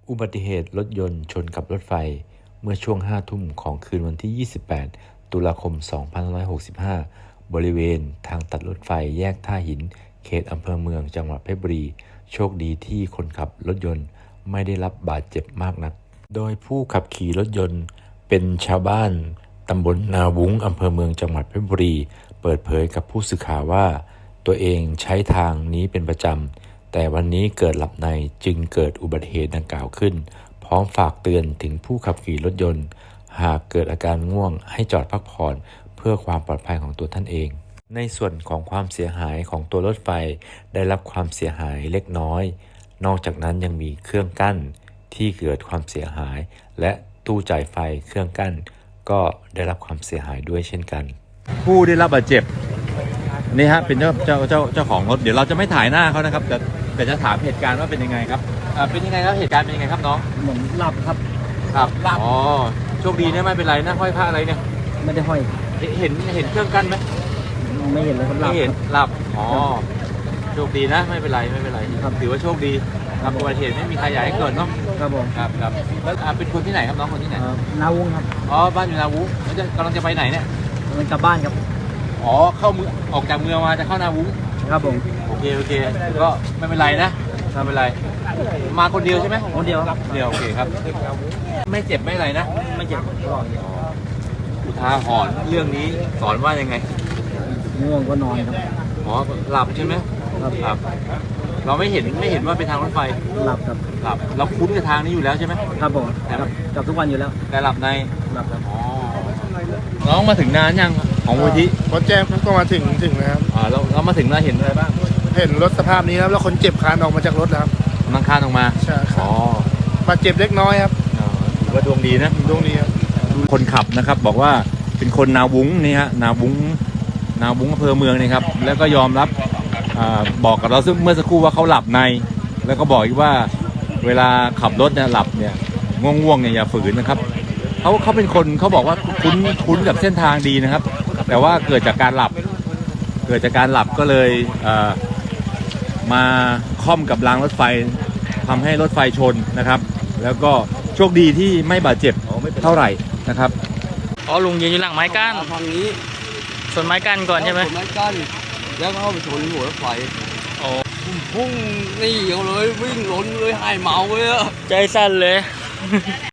อุบัติเหตุรถยนต์ชนกับรถไฟเมื่อช่วง5 ทุ่มของคืนวันที่ 28 ตุลาคม 2565 บริเวณทางตัดรถไฟแยกท่าหินเขตอำเภอเมืองจังหวัดเพชรบุรีโชคดีที่คนขับรถยนต์ไม่ได้รับบาดเจ็บมากนักโดยผู้ขับขี่รถยนต์เป็นชาวบ้านตำบลนาวุ้งอำเภอเมืองจังหวัดเพชรบุรีเปิดเผยกับผู้สื่อข่าวว่าตัวเองใช้ทางนี้เป็นประจำแต่วันนี้เกิดหลับในจึงเกิดอุบัติเหตุดังกล่าวขึ้นพร้อมฝากเตือนถึงผู้ขับขี่รถยนต์หากเกิดอาการง่วงให้จอดพักผ่อนเพื่อความปลอดภัยของตัวท่านเองในส่วนของความเสียหายของตัวรถไฟได้รับความเสียหายเล็กน้อยนอกจากนั้นยังมีเครื่องกั้นที่เกิดความเสียหายและตู้จ่ายไฟเครื่องกั้นก็ได้รับความเสียหายด้วยเช่นกันผู้ได้รับบาดเจ็บนี่ฮะเป็นเจ้าของรถเดี๋ยวเราจะไม่ถ่ายหน้าเขานะครับแต่จะถามเหตุการณ์ว่าเป็นยังไงครับเป็นยังไงครับเหตุการณ์เป็นยังไงครับน้องเหมือนหลับครับหลับอ๋อโชคดีนะไม่เป็นไรนะห้อยผ้าอะไรเนี่ยไม่ได้ห้อยเห็นเครื่องกั้นไหมไม่เห็นเลยครับไม่เห็นหลับอ๋อโชคดีนะไม่เป็นไรครับถือว่าโชคดีครับอุบัติเหตุไม่มีใครอยากให้เกิดเนาะครับผมครับแล้วเป็นคนที่ไหนครับน้องคนที่ไหนนาวุ้งครับอ๋อบ้านอยู่นาวุ้งแล้วกำลังจะไปไหนเนี่ยมันกลับบ้านครับอ๋อเข้าเมืองออกจากเมืองมาจะเข้านาวุ้งครับผมโอเคก็ไม่เป็นไรนะไม่เป็นไรมาคนเดียวใช่ไหมคนเดียวโอเคครับไม่เจ็บไม่อะไรนะไม่เจ็บอุทาหรณ์เรื่องนี้สอนว่ายังไงง่วงก็นอนครับอ๋อหลับใช่ไหมครับเราไม่เห็นว่าเป็นทางรถไฟหลับครับเราคุ้นกับทางนี้อยู่แล้วใช่ไหมครับผมกับทุกวันอยู่แล้วแต่หลับในครับอ๋อน้องมาถึงนานยังของมูลที่พอแจ้งก็มาถึงนะครับเรามาถึงแล้วเห็นอะไรบ้างเห็นรถสภาพนี้ครับแล้วคนเจ็บคานออกมาจากรถแล้วครับนั่งคานออกมาใช่ครับบาดเจ็บเล็กน้อยครับถือว่าดวงดีนะดวงดีครับคนขับนะครับบอกว่าเป็นคนนาวุ้งนี่ฮะนาวุ้งอำเภอเมืองนี่ครับแล้วก็ยอมรับบอกกับเราเมื่อสักครู่ว่าเขาหลับในแล้วก็บอกอีกว่าเวลาขับรถเนี่ยหลับเนี่ยง่วงเนี่ยอย่าฝืนนะครับเขาเป็นคนเขาบอกว่าคุ้นกับเส้นทางดีนะครับแต่ว่าเกิดจากการหลับก็เลยมาค่อมกับรางรถไฟทำให้รถไฟชนนะครับแล้วก็โชคดีที่ไม่บาดเจ็บเท่าไหร่นะครับอ๋อลุงยืนอยู่หลังไม้กั้นทางนี้ชนไม้กั้นก่อนใช่ไหมชนไม้กั้นแล้วก็เข้าไปชนหัวรถไฟโอ้พุ่งนี่เลยวิ่งหล่นเลยหายเมาเลยใจสั่นเลย